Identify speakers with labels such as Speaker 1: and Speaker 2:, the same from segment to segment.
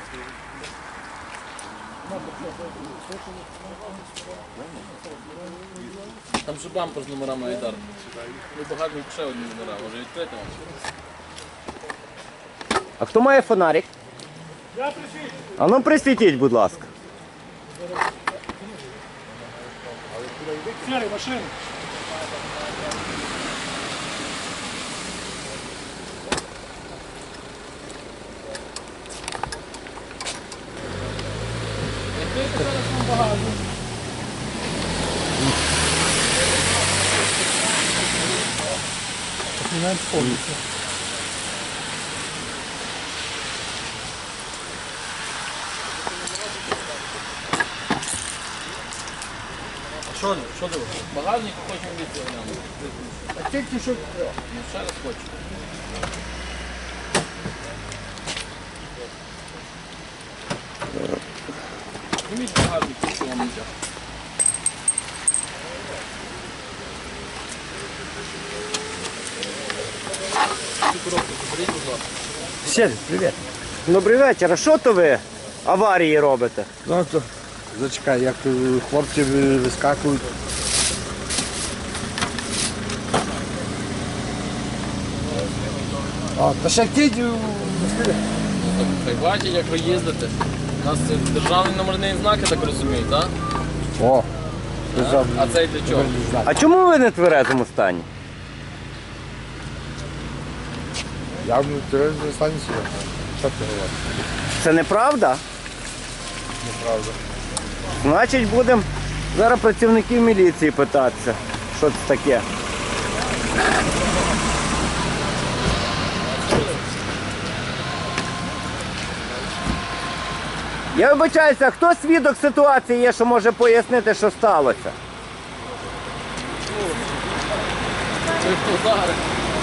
Speaker 1: Там же бампер з номерами Айдар. Ну, багажник ще одні номера, може відкрити вам.
Speaker 2: А хто має фонарик? А ну присвітіть, будь ласка.
Speaker 3: Сірий, машина.
Speaker 1: Що ти? Багажник хочемо відкрити.
Speaker 3: А тільки що...
Speaker 1: Ще раз хочу. Зніміть багажник, що вам нельзя. Цю коробку заберіть, будь ласка.
Speaker 2: Ще, привіт. Добрий вечір. А що то ви аварії робите?
Speaker 4: Ну, то зачекай, як хлопці вискакують. А, та ще кидь.
Speaker 1: Хай бачить, як ви їздите. У нас це державний номерний знак, я так розумію, так?
Speaker 4: О,
Speaker 1: А цей для чого?
Speaker 2: А чому ви не в тверезому стані?
Speaker 4: Я в тюремній станції. Що ти говориш?
Speaker 2: Це неправда?
Speaker 4: Неправда.
Speaker 2: Значить, будемо зараз працівників міліції питатися, що це таке. Я вибачаюся, хто свідок ситуації є, що може пояснити, що сталося?
Speaker 1: Це хто зараз?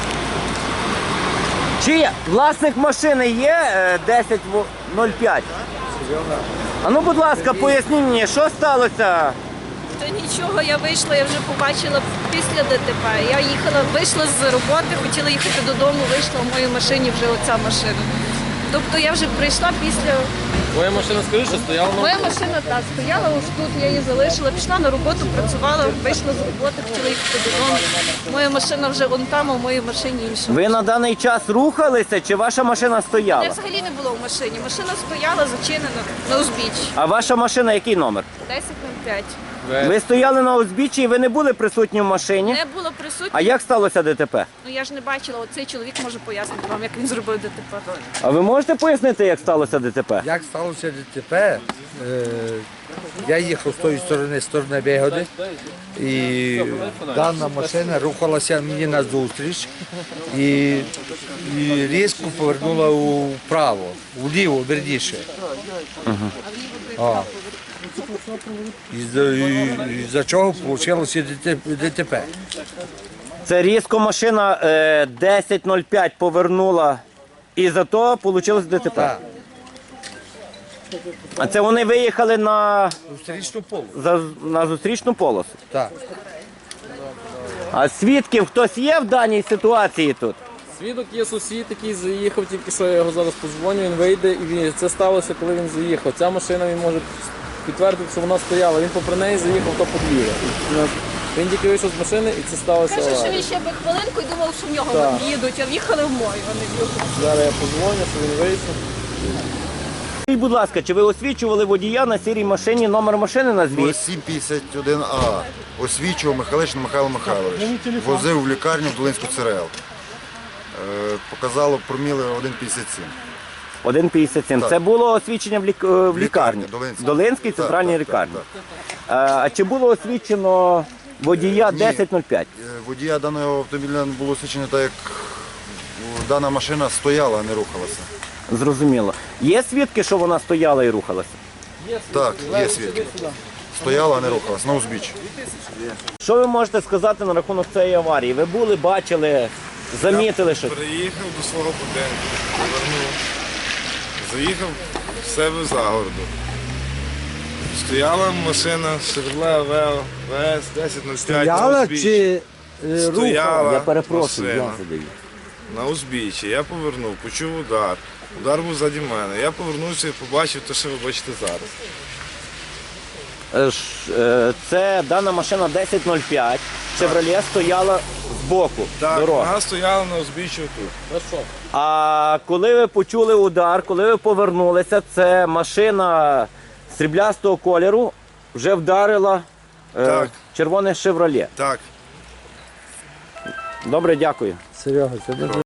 Speaker 2: Чи власник машини є 1005? А ну, будь ласка, поясніть мені, що сталося?
Speaker 5: Та нічого, я вийшла, я вже побачила після ДТП. Я їхала, вийшла з роботи, хотіла їхати додому, вийшла в моїй машині вже оця машина. Тобто я вже прийшла після...
Speaker 1: Твоя машина, скажи, що стояла на...
Speaker 5: Моя машина так стояла ось тут, я її залишила, пішла на роботу, працювала, вийшла з роботи, хотіла їхати додому. Моя машина вже вон там, а в моїй машині інша.
Speaker 2: Ви на даний час рухалися, чи ваша машина
Speaker 5: Мене
Speaker 2: стояла?
Speaker 5: взагалі не було в машині. Машина стояла зачинена на узбіччі.
Speaker 2: А ваша машина який номер?
Speaker 5: 10:05.
Speaker 2: Ви стояли на узбіччі і ви не були присутні в машині?
Speaker 5: Не було присутні.
Speaker 2: А як сталося ДТП?
Speaker 5: Ну я ж не бачила, оцей чоловік може пояснити вам, як він зробив ДТП.
Speaker 2: А ви можете пояснити, як сталося ДТП?
Speaker 4: Як сталося ДТП, я їхав з тої сторони Бегоди, і дана машина рухалася мені назустріч і різко повернула вправо, вліво, верніше. Із-за чого вийшло ДТП.
Speaker 2: Це різко машина 1005 повернула і за то вийшло ДТП.
Speaker 4: Так,
Speaker 2: А це вони виїхали на
Speaker 4: зустрічну полу.
Speaker 2: на зустрічну полосу.
Speaker 4: Так.
Speaker 2: А свідків хтось є в даній ситуації тут?
Speaker 1: Свідок є сусід, який заїхав, тільки що я його зараз позвоню, він вийде, і це сталося, коли він заїхав. Ця машина, він може підтвердити, що вона стояла. Він попри неї заїхав, то подвір'я. Він тільки вийшов з машини, і це сталося.
Speaker 5: Каже, що
Speaker 1: аварія.
Speaker 5: він ще би хвилинку і думав, що в нього
Speaker 1: Так.
Speaker 5: їдуть, а в'їхали в мою, а не в його.
Speaker 1: Зараз я позвоню, що він вийшов.
Speaker 2: Скажіть, будь ласка, чи ви освічували водія на сірій машині, номер машини назвіть?
Speaker 6: 751А. Освічував Михайлишин Михайло Михайлович. Возив в лікарню в Долинську ЦРЛ. Показало проміли 1,57.
Speaker 2: 1,57.
Speaker 6: Так.
Speaker 2: Це було освічення в лікарні?
Speaker 6: Долинській.
Speaker 2: Долинській центральній
Speaker 6: Так,
Speaker 2: лікарні.
Speaker 6: так.
Speaker 2: А чи було освічено водія 1005?
Speaker 6: Водія даного автомобіля не було освічено так, як дана машина стояла, а не рухалася.
Speaker 2: Зрозуміло. Є свідки, що вона стояла і рухалася?
Speaker 6: Так, є свідки. Стояла, а не рухалася, на узбіччі.
Speaker 2: Що ви можете сказати на рахунок цієї аварії? Ви були, бачили, замітили щось?
Speaker 7: Приїхав до свого будинку, повернув, заїхав в себе за городу. Стояла машина Chevrolet Aveo VS 1005 на
Speaker 4: Стояла
Speaker 7: узбіччі.
Speaker 4: чи рухала?
Speaker 7: Стояла
Speaker 2: Я перепрошую,
Speaker 7: машина.
Speaker 2: я задаю.
Speaker 7: на узбіччі. Я повернув, почув удар. Удар був ззаді мене. Я повернувся і побачив те, що ви бачите зараз.
Speaker 2: Це дана машина 1005. Chevrolet стояла збоку
Speaker 7: Так,
Speaker 2: дороги.
Speaker 7: вона стояла на узбіччі тут.
Speaker 2: А коли ви почули удар, коли ви повернулися, це машина сріблястого кольору вже вдарила
Speaker 7: Так.
Speaker 2: червоне Chevrolet.
Speaker 7: Так.
Speaker 2: Добре, дякую.
Speaker 1: Серега, це дуже